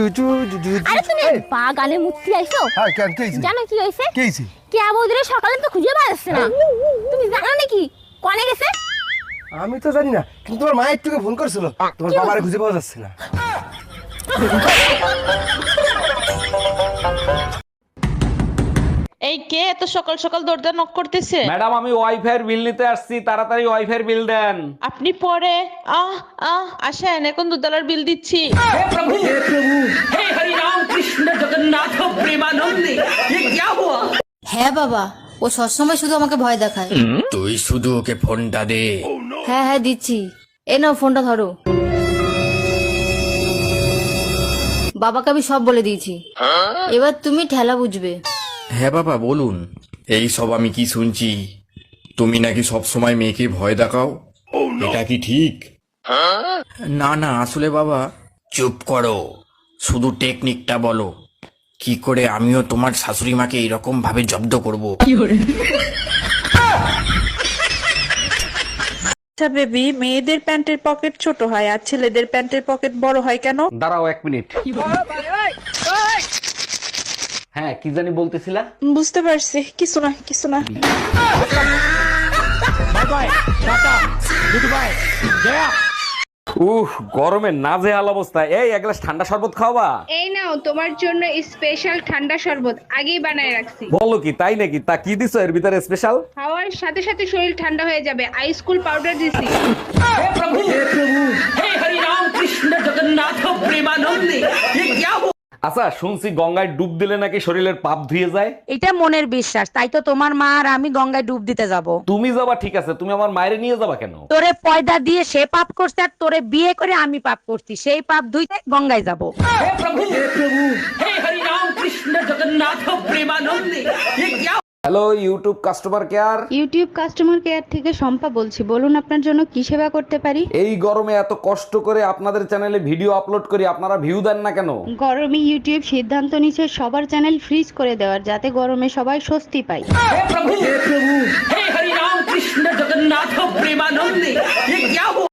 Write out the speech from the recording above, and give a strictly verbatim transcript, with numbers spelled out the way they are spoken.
জু জু জু আরে তুমি বাগানে মুক্তি আইছো? হ্যাঁ কেন কি হইছে জানো কি হইছে? কি হইছে কে বৌদিরে সকালে তো খুঁজে পাচ্ছে না। তুমি জানো নাকি কোনে গেছে? আমি তো জানি না, কিন্তু তোমার মা একটুকে ফোন করছিল, তোমার বাবারে খুঁজে পাওয়া যাচ্ছে না। এই কে এত সকাল সকাল দরজা নক করতেছে? ম্যাডাম আমি ওয়াইফাই এর বিল নিতে আসছি, তাড়াতাড়ি ওয়াইফাই এর বিল দেন। আপনি পরে আহ আহ আসেন, এখন দুতলার বিল দিচ্ছি। হ্যাঁ বাবা, ও সবসময় শুধু আমাকে ভয় দেখায়। তুই শুধু ওকে ফোনটা দে। হ্যাঁ হ্যাঁ দিচ্ছি, এ নাও ফোনটা ধরো। বাবাকে আমি সব বলে দিয়েছি, এবার তুমি ঠেলা বুঝবে। হ্যাঁ বাবা বলুন। এই সব আমি কি শুনছি, তুমি নাকি সব সময় মেয়েকে ভয় দেখাও, এটা কি ঠিক? না না আসলে বাবা, চুপ করো, শুধু টেকনিকটা বলো, কি করে আমিও তোমার শাশুড়ি মাকে এরকম ভাবে জব্দ করব। আচ্ছা বেবি, মেয়েদের প্যান্টের পকেট ছোট হয় আর ছেলেদের প্যান্টের পকেট বড় হয় কেন? দাঁড়াও এক মিনিট। হ্যাঁ কি জানি বলতেছিলা? বুঝতে পারছি, কিছু না কিছু না। উহ গরমে নাজেহাল অবস্থা। এই এক গ্লাস ঠান্ডা শরবত খাওয়াবা? এই নাও তোমার জন্য স্পেশাল ঠান্ডা শরবত আগেই বানায় রাখছি। বলো কি, তাই নাকি? তা কি দিছো এর ভিতরে স্পেশাল? খাওয়ার সাথে সাথে শরীর ঠান্ডা হয়ে যাবে, আইস কুল পাউডার দিছি। আচ্ছা শুনছি গঙ্গায় ডুব দিলে নাকি শরীরের পাপ ধুয়ে যায়। এটা মনের বিশ্বাস, তাই তো তোমার মা আর আমি গঙ্গায় ডুব দিতে যাব। তুমি যাবা ঠিক আছে, তুমি আমার মায়ের নিয়ে যাবা কেন? তোরে পয়দা দিয়ে সে পাপ করছে আর তোরে বিয়ে করে আমি পাপ করছি, সেই পাপ ধুইতে গঙ্গায় যাব। Hello YouTube customer care. YouTube customer care থেকে শম্পা বলছি, বলুন আপনার জন্য কি সেবা করতে পারি? এই গরমে এত কষ্ট করে আপনাদের চ্যানেলে ভিডিও আপলোড করি, আপনারা ভিউ দেন না কেন? গরমে ইউটিউব সিদ্ধান্ত নিচ্ছে সবার চ্যানেল ফ্রিজ করে দেওয়ার, যাতে গরমে সবাই স্বস্তি পায়।